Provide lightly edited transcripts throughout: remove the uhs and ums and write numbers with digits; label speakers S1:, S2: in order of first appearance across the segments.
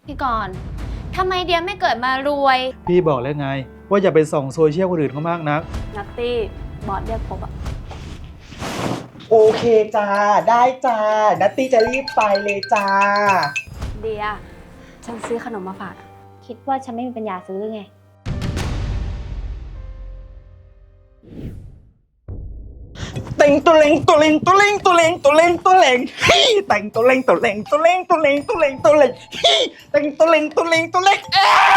S1: พี่กรณ์ทำไมเดียไม่เกิดมารวย
S2: พี่บอกแล้วไง ว่าอย่าไปส่องโซเชียลคนอื่นเขามากนัก
S3: นัตตี้บอสเรียกพบอะ
S4: โอเคจ้าได้จ้านัตตี้จะรีบไปเลยจ้า
S3: เดียฉันซื้อขนมมาฝากอะ
S1: คิดว่าฉันไม่มีปัญญาซื้อหรือไง
S4: แต่งตัวเล็งตัวเล็งตัวเล็งตัวเล็งตัวเล็งตัวเล็งฮี่แต่งตัวเล็งตัวเล็งตัวเล็งตัวเล็งตัวเล็งตัวเล็งฮี่แต่งตัวเล็งตัวเล็งตัวเล็ง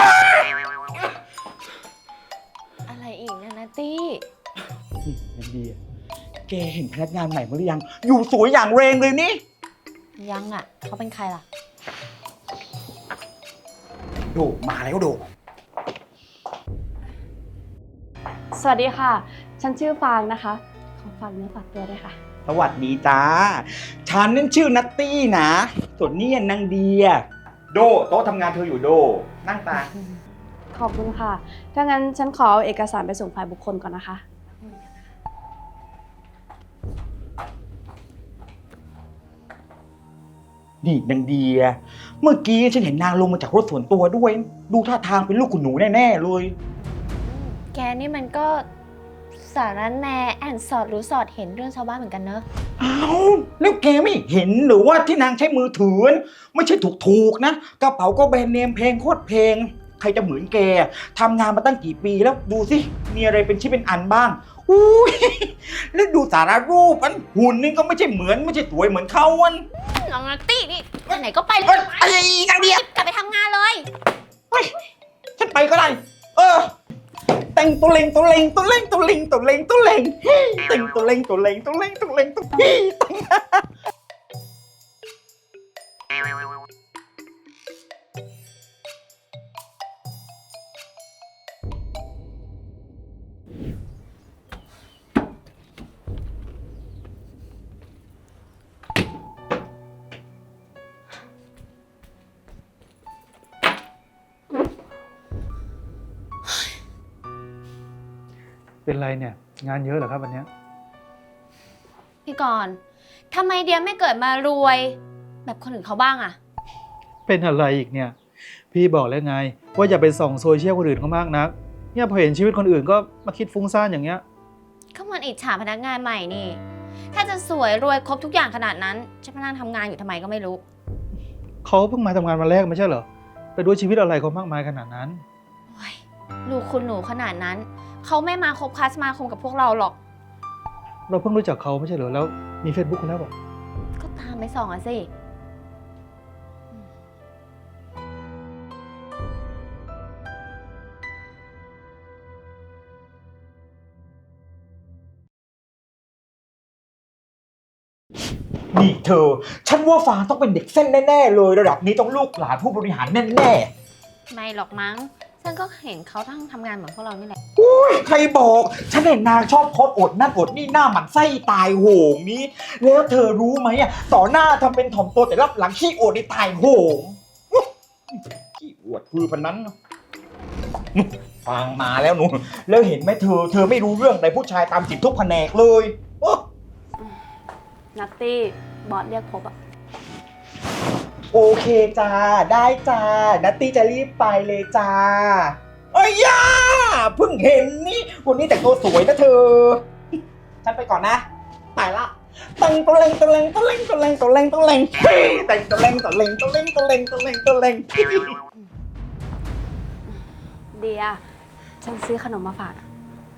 S1: อะไรอีกนะนัตตี้
S4: นี่นันดีอะแกเห็นพนักงานใหม่มั้ยหรือยัง อยู่สวยอย่างเรงเลยนี่
S1: ยังอ่ะ เขาเป็นใครล่ะ
S4: โดมาแล้วโด
S3: สวัสดีค่ะ ฉันชื่อฟางนะคะขอฝากเนื้อฝากตัวด้วยค่ะ
S4: สวัสดีจ้าฉันนั่นชื่อนัตตี้นะส่วนนี่นางเดียโดโต๊ะทำงานเธออยู่โดนั่งตา
S3: ขอบคุณค่ะ ถ้างั้นฉันขอเอาเอกสารไปส่งฝ่ายบุคคลก่อนนะคะ
S4: นี่นางเดีย เมื่อกี้ฉันเห็นนางลงมาจากรถส่วนตัวด้วย ดูท่าทางเป็นลูกคุณหนูแน่ๆเลย
S1: แกนี่มันก็สารแหนแอนสอดรู้สอดเห็นเรื่องชาวบ้านเหมือนกันเนอะ
S4: อ้าวแล้วแกไม่เห็นหรือว่าที่นางใช้มือถือไม่ใช่ถูกๆนะกระเป๋าก็แบรนด์เนมเพลงโคตรเพลงใครจะเหมือนแกทำงานมาตั้งกี่ปีแล้วดูสิมีอะไรเป็นชิ้นเป็นอันบ้างอุ้ยแล้วดูสารรูปอันหุ่นนี่ก็ไม่ใช่เหมือนไม่ใช่สวยเหมือนเขาอัน
S1: น้องนัตตี้นี่ไปไหนก็ไปเล
S4: เอ้
S1: ย
S4: ยไอ้นางเดีย
S1: กลับไปทำงานเลย
S4: เฮ้ยฉันไปก็ได้แต่งตัวเล็งตัวเล็งตัวเล็งตัวเล็งตัวเล็งตัวเล็งแต่งตัวเล็งตัวเล็งตัวเล็งตัวเล็งตัวเล็ง
S2: เป็นไรเนี่ย งานเยอะเหรอครับวันเนี้ย
S1: พี่กรณ์ทำไมเดียไม่เกิดมารวย แบบคนอื่นเขาบ้างอะ
S2: เป็นอะไรอีกเนี่ย พี่บอกแล้วไง ว่าอย่าไปส่องโซเชียลคนอื่นเขามากนัก เนี่ยพอเห็นชีวิตคนอื่นก็มาคิดฟุ้งซ่านอย่างเงี้ย
S1: ก็มันอิจฉาพนักงานใหม่นี่ ถ้าจะสวยรวยครบทุกอย่างขนาดนั้น จะมานั่งทำงานอยู่ทำไมก็ไม่รู้
S2: เขาเพิ่งมาทำงานวันแรกไม่ใช่เหรอ ไปดูชีวิตอะไรเขามากมายขนาดนั้น
S1: โอ้ยลูกคุณหนูขนาดนั้น เขาไม่มาคบค้าสมาคมกับพวกเราหรอก
S2: เราเพิ่งรู้จักเขาไม่ใช่เหรอ แล้วมี Facebook กันแล้วบอก
S1: ก็ตามไปส่องอะสิ
S4: นี่เธอ ฉันว่าฟางต้องเป็นเด็กเส้นแน่ๆเลยระดับนี้ต้องลูกหลานผู้บริหารแน่
S1: ไม่หรอกมั้ง ฉันก็เห็นเขาทั้งทำงานเหมือนพวกเรานี่แหละ
S4: ๆอุ้ยใครบอก ฉันเห็นนางชอบโพสต์อดนั่นอดนี่หน้าหมันไส้ตายโหงนี้ แล้วเธอรู้ไหมอ่ะต่อหน้าทำเป็นถ่อมตัวแต่รับหลังขี้อวดในตายโหงอุ๊ยขี้อวดคือพันนั้นเนอะฟังมาแล้วหนูแล้วเห็นไหมเธอไม่รู้เรื่องแต่ผู้ชายตามจิตทุกแผนกเลยโอ้
S3: นัตตี้บอสเรียกพบอะ
S4: โอเคจ้าได้จ้านัตตี้จะรีบไปเลยจ้าเอ้ยย่าเพิ่งเห็นนี่วันนี้แต่งตัวสวยนะเธอ ฉันไปก่อนนะไปละแต่งตัวเล็งตัวเล็งตัวเล็งตัวเล็งตัวเล็งตัวเล็งเฮ้ยแต่งตัวเล็งตัวเล็งตัวเล็งตัวเล็งตัวเล็งตัวเล็ง
S3: เดียฉันซื้อขนมมาฝากอะ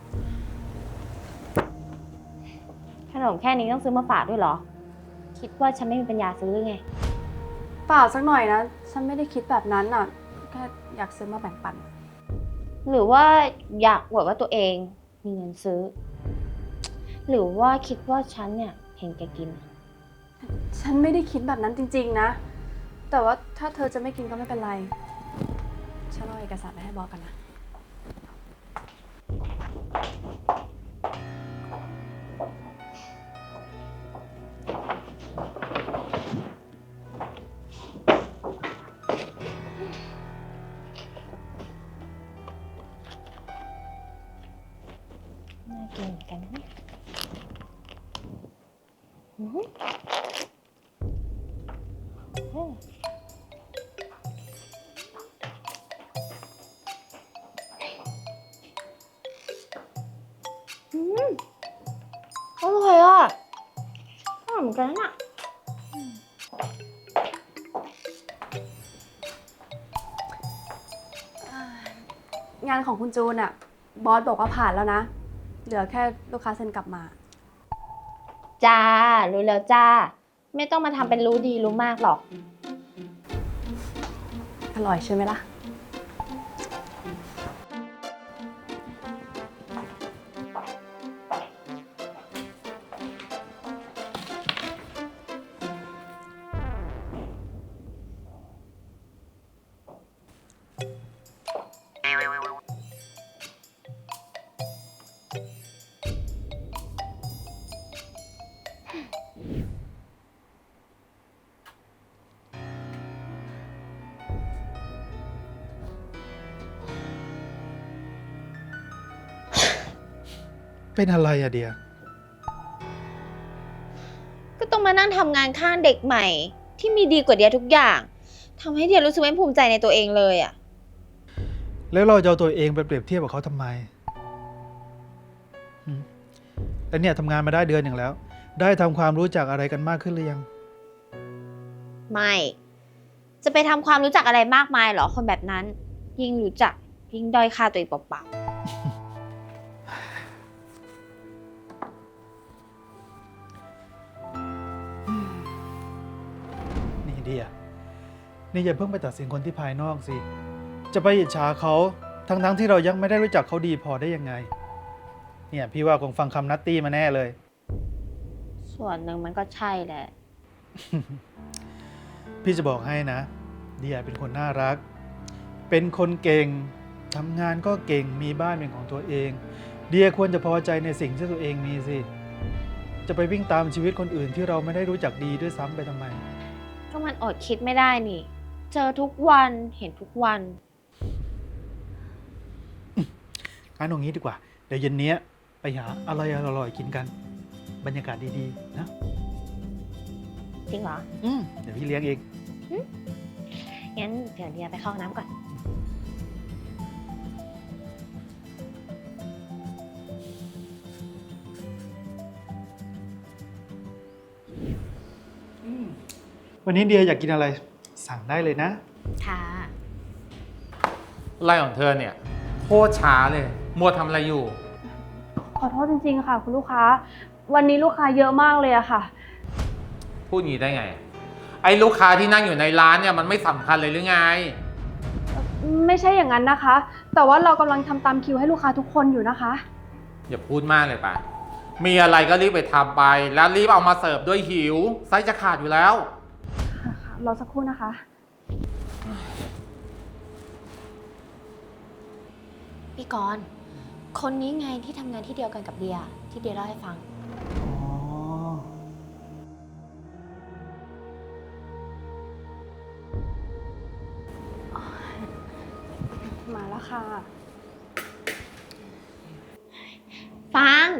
S1: ขนมแค่นี้ต้องซื้อมาฝากด้วยเหรอ คิดว่าฉันไม่มีปัญญาซื้อหรือไง
S3: เปล่าสักหน่อยนะ ฉันไม่ได้คิดแบบนั้นอะแค่อยากซื้อมาแบ่งปัน
S1: หรือว่าอยากอวดว่าตัวเองมีเงินซื้อ หรือว่าคิดว่าฉันเนี่ยเห็นแกกิน
S3: ฉันไม่ได้คิดแบบนั้นจริงๆนะ แต่ว่าถ้าเธอจะไม่กินก็ไม่เป็นไร ฉันเอาเอกสารไปให้บอสกันนะ
S1: น่ากินเหมือนกันนะเนี่ยอื้อหืออืม
S3: งานของคุณจูนอะบอสบอกว่าผ่านแล้วนะ เหลือแค่ลูกค้าเซ็นกลับมา
S1: จ้า รู้แล้วจ้า ไม่ต้องมาทำเป็นรู้ดีรู้มากหรอก
S3: อร่อยใช่ไหมล่ะ
S2: เป็นอะไรอะเดีย
S1: ก็ต้องมานั่งทำงานข้างเด็กใหม่ ที่มีดีกว่าเดียทุกอย่างทำให้เดียรู้สึกไม่ภูมิใจในตัวเองเลยอะ
S2: แล้วเราจะเอาตัวเองไปเปรียบเทียบกับเขาทำไมหืมแล้วเนี่ยทำงานมาได้เดือนหนึ่งแล้ว ได้ทำความรู้จักอะไรกันมากขึ้นหรือยัง
S1: ไม่ จะไปทำความรู้จักอะไรมากมายเหรอคนแบบนั้น ยิ่งรู้จักยิ่งด้อยค่าตัวเองเปล่า
S2: นี่เดียนี่อย่าเพิ่งไปตัดสินคนที่ภายนอกสิ จะไปอิจฉาเขาทั้งที่เรายังไม่ได้รู้จักเขาดีพอได้ยังไง เนี่ยพี่ว่าคงฟังคำนัตตี้มาแน่เลย
S1: ๆส่วนหนึ่งมันก็ใช่แหละ
S2: พี่จะบอกให้นะ เดียเป็นคนน่ารัก เป็นคนเก่ง ทำงานก็เก่ง มีบ้านเป็นของตัวเอง เดียควรจะพอใจในสิ่งที่ตัวเองมีสิ จะไปวิ่งตามชีวิตคนอื่นที่เราไม่ได้รู้จักดีด้วยซ้ำไปทำไม
S1: ก็มันอดคิดไม่ได้นี่ เจอทุกวันเห็นทุกวัน
S2: งั้นเอางี้ดีกว่า เดี๋ยวเย็นนี้ไปหาอะไรอร่อยๆกินกัน บรรยากาศดีๆนะ
S1: จริงเหรอ
S2: เดี๋ยวพี่เลี้ยงเอง
S1: งั้นเดี๋ยวเดียไปเข้าห้องน้ำก่อน
S2: วันนี้เดียอยากกินอะไร สั่งได้เลยนะ
S1: ค่ะ
S5: ไล่ของเธอเนี่ยโคตรช้าเลยมัวทำอะไรอยู่
S3: ขอโทษจริงๆค่ะ คุณลูกค้า วันนี้ลูกค้าเยอะมากเลยอะค่ะ
S5: พูดงี้ได้ไง ไอ้ลูกค้าที่นั่งอยู่ในร้านเนี่ยมันไม่สำคัญเลยหรือไง
S3: ไม่ใช่อย่างนั้นนะคะ แต่ว่าเรากำลังทำตามคิวให้ลูกค้าทุกคนอยู่นะคะ
S5: อย่าพูดมากเลยป่ะ มีอะไรก็รีบไปทำไป แล้วรีบเอามาเสิร์ฟด้วยหิวไส้จะขาดอยู่แล้ว
S3: รอสักครู่นะคะ
S1: พี่กรณ์คนนี้ไงที่ทำงานที่เดียวกันกับเดีย ที่เดียเล่าให้ฟัง
S3: มาแล้วค่ะ
S1: ฟัง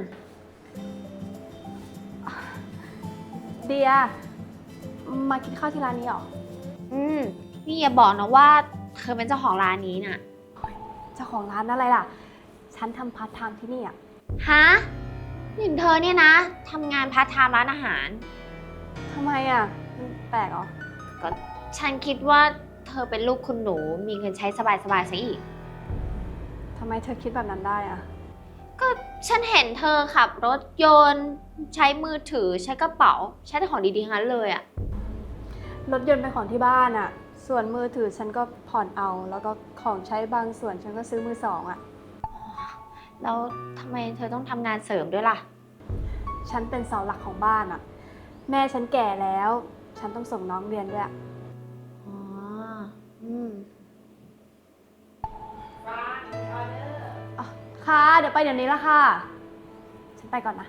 S3: เดีย มากินข้าวที่ร้านนี้เหรอ
S1: นี่อย่าบอกนะว่าเธอเป็นเจ้าของร้านนี้น่ะ
S3: เจ้าของร้านอะไรล่ะ ฉันทำพาร์ทไทม์ที่นี่อะ
S1: ฮะนี่เธอเนี่ยนะทำงานพาร์ทไทม์ร้านอาหาร
S3: ทำไมอะมันแปลกเหรอ
S1: ก็ฉันคิดว่าเธอเป็นลูกคุณหนู มีเงินใช้สบายๆซะอีก
S3: ทำไมเธอคิดแบบนั้นได้อะ
S1: ก็ฉันเห็นเธอขับรถยนต์ ใช้มือถือใช้กระเป๋า ใช้แต่ของดีๆทั้งนั้นเลยอะ
S3: รถยนต์เป็นของที่บ้านอะส่วนมือถือฉันก็ผ่อนเอา แล้วก็ของใช้บางส่วนฉันก็ซื้อมือสองอะ
S1: แล้วทำไมเธอต้องทำงานเสริมด้วยล่ะ
S3: ฉันเป็นเสาหลักของบ้านอะแม่ฉันแก่แล้ว ฉันต้องส่งน้องเรียนด้วยอะ
S1: อ๋อ
S3: อ๋อค่ะ เดี๋ยวไปเดี๋ยวนี้ละค่ะ ฉันไปก่อนนะ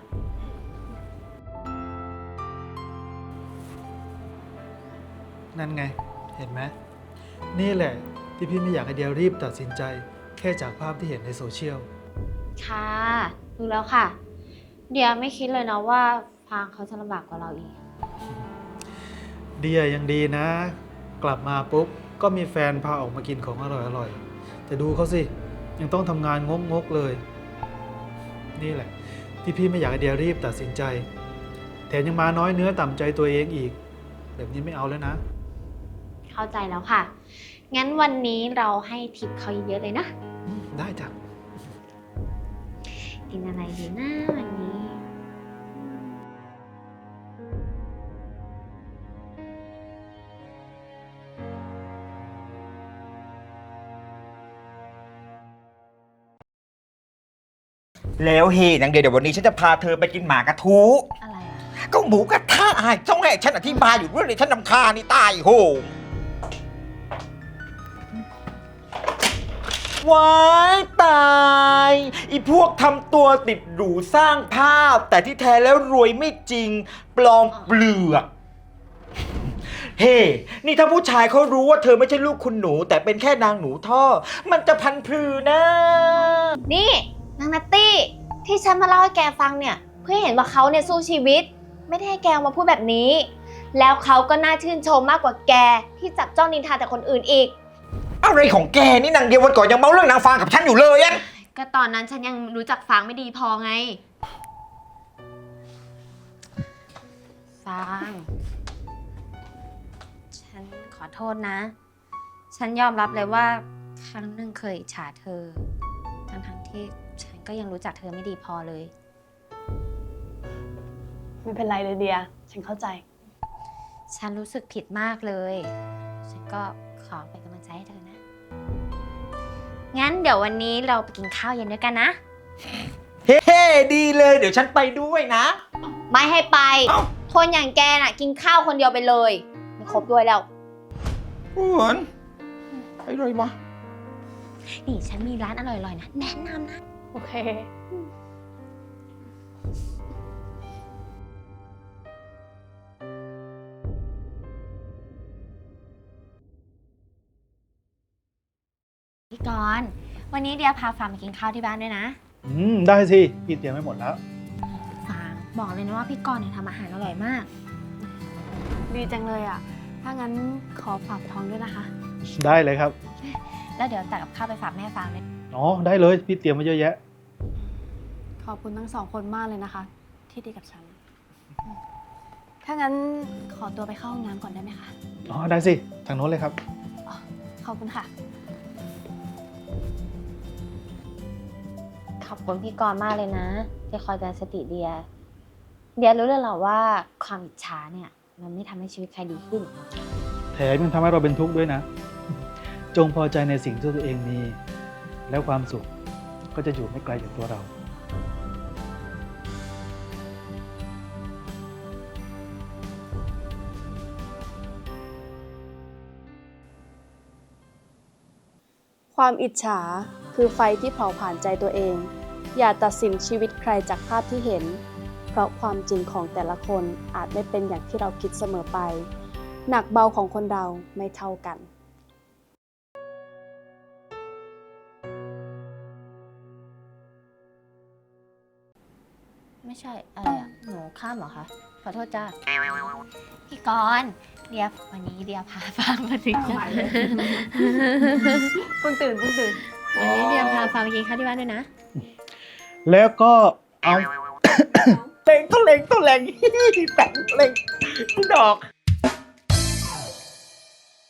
S2: นั่นไง เห็นไหม นี่แหละที่พี่ไม่อยากให้เดียรีบตัดสินใจ แค่จากภาพที่เห็นในโซเชียล
S1: ค่ะรู้แล้วค่ะ เดียไม่คิดเลยนะว่าฟางเขาจะลำบากกว่าเราอีก
S2: เดียยังดีนะ กลับมาปุ๊บ ก็มีแฟนพาออกมากินของอร่อยๆ แต่ดูเขาสิ ยังต้องทำงานงกๆเลย นี่แหละ ที่พี่ไม่อยากให้เดียรีบตัดสินใจ แถมยังมาน้อยเนื้อต่ำใจตัวเองอีก แบบนี้ไม่เอาแล้วนะ
S1: เข้าใจแล้วค่ะ งั้นวันนี้เราให้ทิปเขาเยอะๆเลยนะ
S2: ไได้จ้ะ
S1: กินอะไรดีนะวันนี้
S4: แล้วเฮนางเดียวเดี๋ยววันนี้ฉันจะพาเธอไปกินหมากระทู
S1: อะไรอ่ะ
S4: ก็หมูกระทะต้องให้ฉันอธิบายอยู่ด้วยเลยฉันนำคาญนี่ตายโหงว้ายตายอีพวกทำตัวติดหรูสร้างภาพ แต่ที่แท้แล้วรวยไม่จริง ปลอมเปลือก เฮ้ นี่ถ้าผู้ชายเขารู้ว่าเธอไม่ใช่ลูกคุณหนู แต่เป็นแค่นางหนูท่อ มันจะพันพรือนะ
S1: นี่นางนัตตี้ที่ฉันมาเล่าให้แกฟังเนี่ยเพื่อให้เห็นว่าเขาเนี่ยสู้ชีวิต ไม่ได้ให้แกมาพูดแบบนี้ แล้วเขาก็น่าชื่นชมมากกว่าแกที่จับจ้องนินทาแต่คนอื่นอีก
S4: อะไรของแกนี่นางเดียววันก่อนยังเมาเรื่องนางฟางกับฉันอยู่เลยอะ
S1: ก็ตอนนั้นฉันยังรู้จักฟางไม่ดีพอไงฟางฉันขอโทษนะ ฉันยอมรับเลยว่าครั้งหนึ่งเคยอิจฉาเธอทั้งที่ฉันก็ยังรู้จักเธอไม่ดีพอเลย
S3: ไม่เป็นไรเลยเดีย ฉันเข้าใจ
S1: ฉันรู้สึกผิดมากเลย ฉันก็ขอเป็นกำลังใจให้เธอนะ งั้นเดี๋ยววันนี้เราไปกินข้าวเย็นด้วยกันนะ
S4: เฮ้ดีเลยเดี๋ยวฉันไปด้วยนะ
S1: ไม่ให้ไป
S4: เอ้า
S1: คนอย่างแกน่ะ กินข้าวคนเดียวไปเลย ไม่ครบด้วยแล้ว
S4: เหมือนอะไรวะ
S1: นี่ฉันมีร้านอร่อยๆนะ แนะนำนะ
S3: โอเค
S1: พี่กรณ์วันนี้เดียพาฟางมากินข้าวที่บ้านด้วยนะ
S2: ได้สิพี่เตรียมไว้หมดแล้ว
S1: ฟางบอกเลยนะว่าพี่กรณ์เนี่ยทำอาหารอร่อยมาก
S3: ดีจังเลยอ่ะ ถ้างั้นขอฝากท้องด้วยนะคะ
S2: ได้เลยครับ
S1: แล้วเดี๋ยวตักกับข้าวไปฝากแม่ฟางเลย
S2: อ๋อ ได้เลยพี่เตรียมไว้เยอะแยะ
S3: ขอบคุณทั้งสองคนมากเลยนะคะ ที่ดีกับฉัน ถ้างั้นขอตัวไปเข้าห้องน้ำก่อนได้ไหมคะ
S2: อ๋อ ได้สิ ทางโน้นเลยครับ
S3: ขอบคุณค่ะ
S1: ขอบคุณพี่กรณ์มากเลยนะ ที่คอยเตือนสติเดีย เดียรู้เลยเหรอว่าความอิจฉาเนี่ยมันไม่ทำให้ชีวิตใครดีขึ้น
S2: แถมยังทำให้เราเป็นทุกข์ด้วยนะ จงพอใจในสิ่งที่ตัวเองมี แล้วความสุขก็จะอยู่ไม่ไกลจากตัวเรา
S3: ความอิจฉาคือไฟที่เผาผ่านใจตัวเอง อย่าตัดสินชีวิตใครจากภาพที่เห็น เพราะความจริงของแต่ละคนอาจไม่เป็นอย่างที่เราคิดเสมอไป หนักเบาของคนเราไม่เท่ากัน
S1: ไม่ใช่อะไรอ่ะ หนูข้ามเหรอคะ ขอโทษจ้าพี่กรณ์เดียวันนี้เดียพาฟางมาถึง
S3: เอาใหม่เลย เพิ่งตื่น
S1: วันนี้เดียพาฟางมากินข้าวที่บ้านด้วยนะ
S2: แล้วก็เอา
S4: เล็งก็เล็งก็เล็ง แต่งเล็งดอก